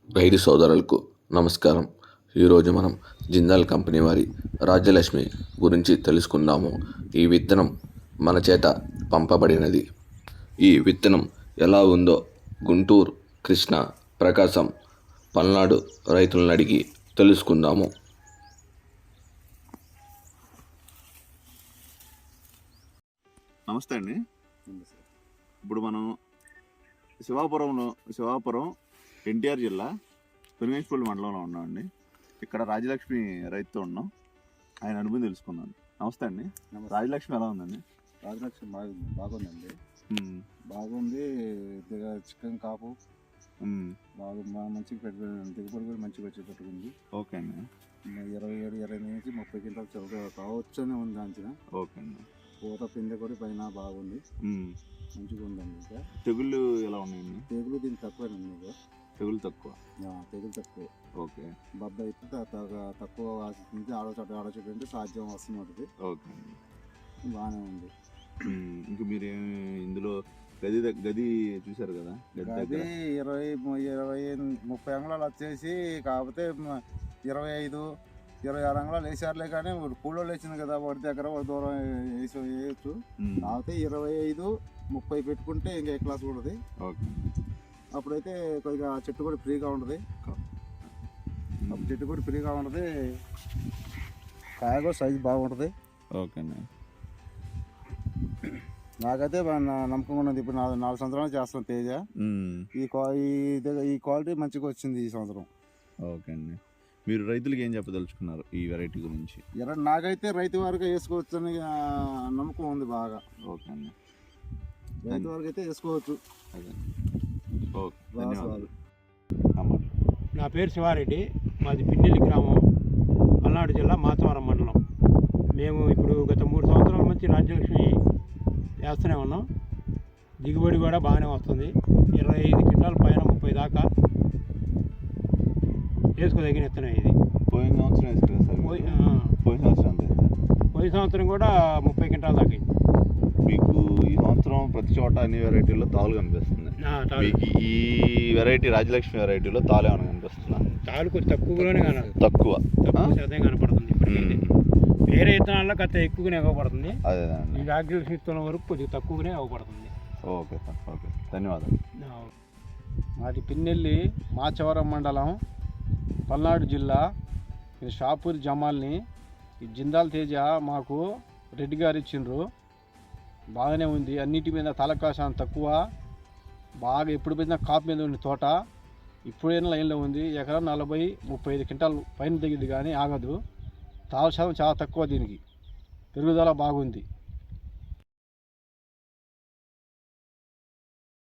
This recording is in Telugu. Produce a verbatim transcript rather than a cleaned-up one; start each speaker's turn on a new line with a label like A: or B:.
A: రైతు సోదరులకు నమస్కారం. ఈరోజు మనం జిందాల్ కంపెనీ వారి రాజ్యలక్ష్మి గురించి తెలుసుకుందాము. ఈ విత్తనం మన చేత పంపబడినది. ఈ విత్తనం ఎలా ఉందో గుంటూరు, కృష్ణా, ప్రకాశం, పల్నాడు రైతులను అడిగి తెలుసుకుందాము.
B: నమస్తే అండి. ఇప్పుడు మనం శివాపురంలో శివాపురం ఎన్టీఆర్ జిల్లా పెనుగంచిప్రోలు మండలంలో ఉన్నామండి. ఇక్కడ రాజలక్ష్మి రైతుతో ఉన్నాం. ఆయన అనుభవం తెలుసుకున్నాను. నమస్తే అండి. రాజలక్ష్మి ఎలా ఉందండి?
C: రాజలక్ష్మి బాగా బాగుందండి. బాగుంది. చికెన్ కాపు బాగా మంచిగా పెట్టి దిగుబడి కూడా మంచిగా వచ్చి పెట్టుకుంది.
B: ఓకే అండి.
C: ఇరవై ఏడు ఇరవై ఎనిమిది నుంచి ముప్పై క్వింటాలు చౌక కావచ్చు అని ఉంది అంచనా.
B: ఓకే అండి.
C: పూత పిందె కూడా పైన బాగుంది, మంచిగా ఉందండి. ఇంకా
B: తెగుళ్ళు ఎలా ఉన్నాయండి?
C: తెగులు దీనికి తక్కువేనండి. మీకు
B: తెగులు తక్కువ?
C: తెగులు తక్కువ.
B: ఓకే.
C: బద్ద అయితే తక్కువ ఆశిస్తుంది. ఆడచోట ఆడచోట అంటే సాధ్యం వస్తుంది ఉంటుంది.
B: ఓకే అండి.
C: బాగానే ఉంది.
B: ఇంకా మీరు ఇందులో గది గది చూసారు కదా?
C: గది ఇరవై ఇరవై ముప్పై అంగుళాలు వచ్చేసి, కాకపోతే ఇరవై ఐదు ఇరవై ఆరు అంగుళాలు వేసారులే. కానీ కూలోళ్ళు వేసింది కదా, వాడి దగ్గర వాడి దూరం వేసి వేయచ్చు. కాకపోతే ఇరవై ఐదు ముప్పై పెట్టుకుంటే ఇంకా ఏ క్లాస్ ఉంటుంది.
B: ఓకే.
C: అప్పుడైతే కొద్దిగా చెట్టు కూడా ఫ్రీగా ఉంటుంది. అప్పుడు చెట్టు కూడా ఫ్రీగా ఉంటుంది. కాయ కూడా సైజు బాగుంటుంది.
B: ఓకే అండి.
C: నాకైతే నమ్మకం ఉన్నది. ఇప్పుడు నాలుగు నాలుగు సంవత్సరాలు చేస్తాను తేజ. ఈ ఈ క్వాలిటీ మంచిగా వచ్చింది ఈ సంవత్సరం.
B: ఓకే అండి. మీరు రైతులకి ఏం చెప్పదలుచుకున్నారు ఈ వెరైటీ గురించి?
C: నాకైతే రైతు వారికి వేసుకోవచ్చు అని నమ్మకం ఉంది బాగా.
B: ఓకే అండి.
C: రైతు వారికి అయితే వేసుకోవచ్చు.
B: అదే. ఓకే, ధన్యవాదాలు.
D: నా పేరు శివారెడ్డి, మాది పిన్నెల్లి గ్రామం, పల్నాడు జిల్లా మాచవరం మండలం. మేము ఇప్పుడు గత మూడు సంవత్సరాల నుంచి రాజ్యలక్ష్మి వేస్తూనే ఉన్నాం. దిగుబడి కూడా బాగానే వస్తుంది. ఇరవై ఐదు క్వింటాల పైన ముప్పై దాకా వేసుకోదగిన విత్తనం ఇది.
B: పోయిన సంవత్సరం వేసుకురా సార్? పోయిన సంవత్సరం
D: పోయిన సంవత్సరం కూడా ముప్పై క్వింటాల దాకా అయింది.
B: మీకు ఈ సంవత్సరం ప్రతి చోట అన్ని వెరైటీల్లో తాలు కనిపిస్తుంది. మీకు ఈ వెరైటీ రాజలక్ష్మి వెరైటీలో తాలు ఏమైనా కనిపిస్తుందా?
D: తాలు కొంచెం తక్కువలోనే కనపడుతుంది.
B: తక్కువ
D: తక్కువ శాతం కనపడుతుంది. వేరే విత్తనాల్లో కొంత ఎక్కువగానే ఇవ్వబడుతుంది.
B: అదే
D: ఈ రాజలక్ష్మి విత్తనం వరకు కొద్దిగా తక్కువగానే ఇవ్వబడుతుంది.
B: Okay sir. ఓకే, ధన్యవాదాలు.
C: మాది పిన్నెల్లి, మాచవరం మండలం, పల్నాడు జిల్లా. ఇది షాపూర్ జమాల్ని. ఈ జిందాల్ తేజ మాకు రెడ్డి గారు ఇచ్చిండ్రు. బాగానే ఉంది. అన్నిటి మీద తలకాశం తక్కువ. బాగా ఎప్పుడు పోయినా కాపు మీద ఉంది తోట. ఇప్పుడైనా లైన్లో ఉంది. ఎకరం నలభై ముప్పై ఐదు క్వింటాలు పైన దిగింది, కానీ ఆగదు. తాలు శాతం చాలా తక్కువ. దీనికి పెరుగుదల బాగుంది.